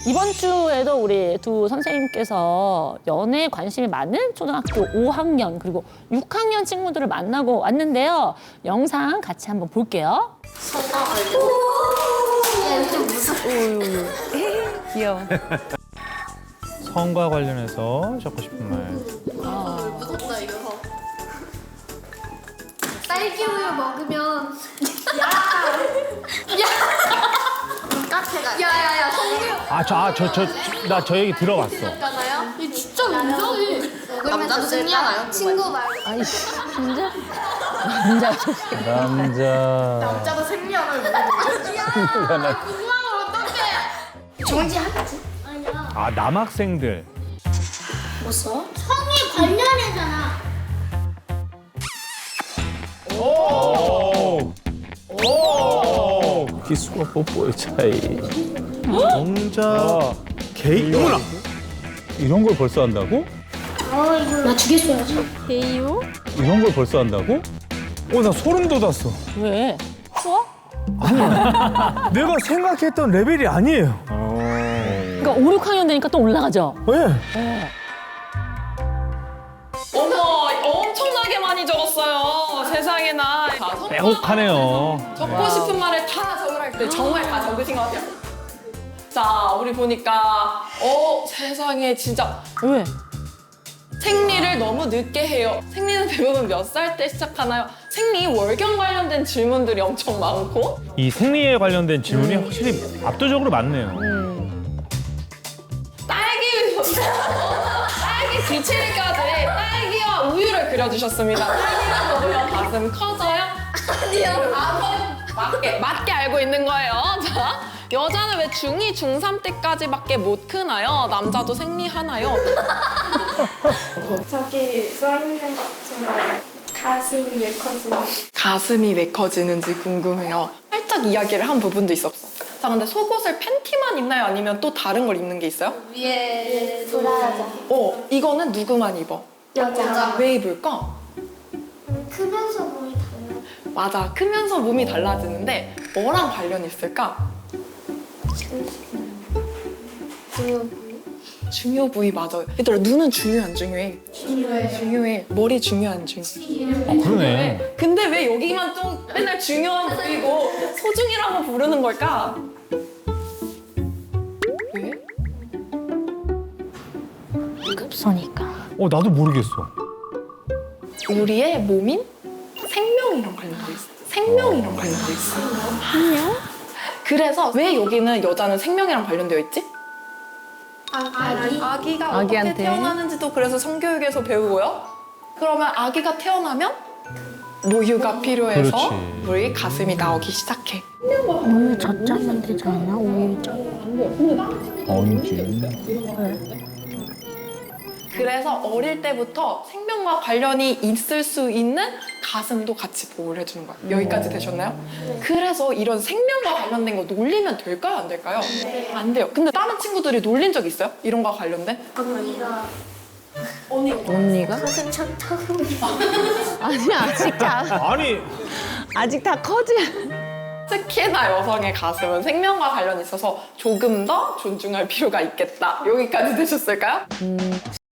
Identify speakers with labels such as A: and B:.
A: 이번 주에도 우리 두 선생님께서 연애에 관심이 많은 초등학교 5학년 그리고 6학년 친구들을 만나고 왔는데요. 영상 같이 한번 볼게요.
B: 손가 걸려. 야, 좀 무서워.
A: 귀여워.
C: 성과 관련해서 적고 싶은 말.
B: 무섭다, 이거. 딸기 우유 먹으면. 야! 카페가. 야야야, 성규.
C: 나 저 얘기 들어봤어.
B: 있잖아요. 이 진짜 인정해. 남자도 승리하나요? 친구 말고.
A: 아이씨, 진짜? 남자
C: 남자.
B: 남자도 승리하나요? 야, 궁금하면 어떡해. 정지하겠지? 아니야.
C: 아, 남학생들.
B: 뭐 써? 성이 관련해잖아.
C: 오! 오!
D: 키스와 뽀뽀의 차이.
C: 정자. 게이. 어머나.
D: 이런 걸 벌써 한다고?
B: 나 주겠어야지.
D: 이런 걸 벌써 한다고?
C: 나 소름 돋았어.
A: 왜? 추워?
C: 내가 생각했던 레벨이 아니에요.
A: 그러니까 5, 6학년 되니까 또 올라가죠?
C: 왜?
E: 어머, 엄청나게 많이 적었어요. 세상에나.
C: 빼곡하네요.
E: 적고 싶은 말을 다 적으라 때 정말 다 적으신 것 같아요. 자, 우리 보니까 세상에 진짜
A: 왜?
E: 생리를 너무 늦게 해요. 생리는 대부분 몇 살 때 시작하나요? 생리 월경 관련된 질문들이 엄청 많고
C: 이 생리에 관련된 질문이 확실히 압도적으로 많네요.
E: 딸기 뒤치기까지 딸기와 우유를 그려주셨습니다. 딸기를 먹으면 가슴 커져요? 아니요. 맞게 알고 있는 거예요. 자, 여자는 왜 중2, 중3 때까지밖에 못 크나요? 남자도 생리하나요?
F: 저기 써있는 것처럼 가슴이 왜 커지는
E: 가슴이 왜 커지는지 궁금해요. 살짝 이야기를 한 부분도 있었어. 자, 근데 속옷을 팬티만 입나요? 아니면 또 다른 걸 입는 게 있어요?
B: 위에
F: 브라자
E: 이거는 누구만 입어?
F: 여자
E: 왜 입을까?
F: 크면서 몸이 달라
E: 맞아, 크면서 몸이 달라지는데 뭐랑 관련이 있을까? 중요 부위 맞아요. 얘들아, 눈은 중요해, 안 중요해? 중요해. 머리 중요해, 안 중요해?
C: 그러네.
E: 근데 왜 여기만 좀 맨날 중요한 부위고 소중이라고 부르는 걸까? 왜?
A: 급소니까.
C: 나도 모르겠어.
E: 우리의 몸인 생명이랑 관련돼 있어. 생명이랑 관련돼 있어. 생명? 그래서 왜 여기는 여자는 생명이랑 관련되어 있지? 아기가
A: 아기한테.
E: 어떻게 태어나는지도 그래서 성교육에서 배우고요. 그러면 아기가 태어나면 모유가 필요해서
C: 그렇지.
E: 우리 가슴이 나오기 시작해.
A: 우유 젖자면 되지 않아? 우유 젖.
D: 아니지.
E: 그래서 어릴 때부터 생명과 관련이 있을 수 있는 가슴도 같이 보호를 해주는 거예요. 여기까지 되셨나요? 그래서 이런 생명과 관련된 거 놀리면 될까요? 안 될까요? 안 돼요. 근데 다른 친구들이 놀린 적 있어요? 이런 거와 관련된?
A: 언니가?
F: 가슴 척척
A: 아니야, 아직 다.
C: 아니,
A: 아직 다 커지.
E: 특히나 여성의 가슴은 생명과 관련이 있어서 조금 더 존중할 필요가 있겠다. 여기까지 되셨을까요?